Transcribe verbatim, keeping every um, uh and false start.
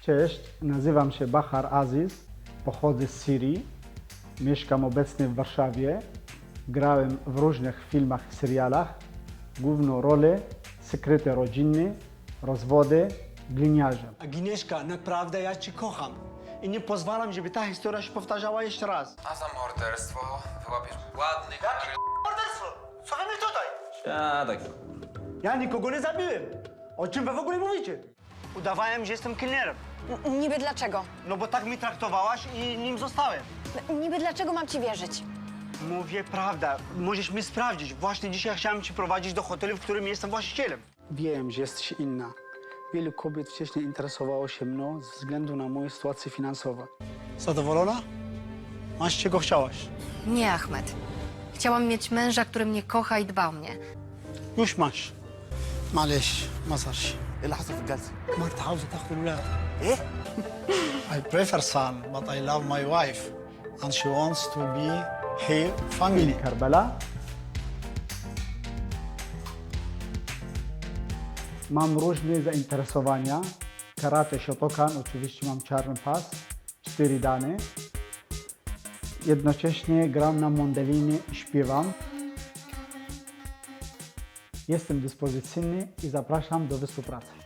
Cześć, nazywam się Bahar Aziz, pochodzę z Syrii, mieszkam obecnie w Warszawie. Grałem w różnych filmach i serialach, główną rolę sekrety rodzinne, rozwody, gliniarzem. Agnieszka, naprawdę ja cię kocham i nie pozwalam, żeby ta historia się powtarzała jeszcze raz. A za morderstwo wyłapiesz ładny... Jakie morderstwo? Co wy mi tutaj? Siadaj. Ja nikogo nie zabiłem. O czym wy w ogóle mówicie? Udawałem, że jestem kelnerem. N- Niby dlaczego? No bo tak mi traktowałaś i nim zostałem. N- Niby dlaczego mam ci wierzyć? Mówię prawda. Możesz mi sprawdzić. Właśnie dzisiaj chciałem cię prowadzić do hotelu, w którym jestem właścicielem. Wiem, że jesteś inna. Wielu kobiet wcześniej interesowało się mną ze względu na moją sytuację finansową. Zadowolona? Masz czego chciałaś. Nie, Ahmed. Chciałam mieć męża, który mnie kocha i dba o mnie. już masz. معلش ما صارش. ايه اللي حصل في الجلسه؟ مرت عاوزة تاخد الولاد. ايه؟ I prefer son, but I love my wife. And she wants to be her family. Karbala. Mam różne zainteresowania. Karate Shotokan, oczywiście mam czarny pas, cztery dane. Jednocześnie gram na mandolinie i śpiewam. Jestem dyspozycyjny i zapraszam do współpracy.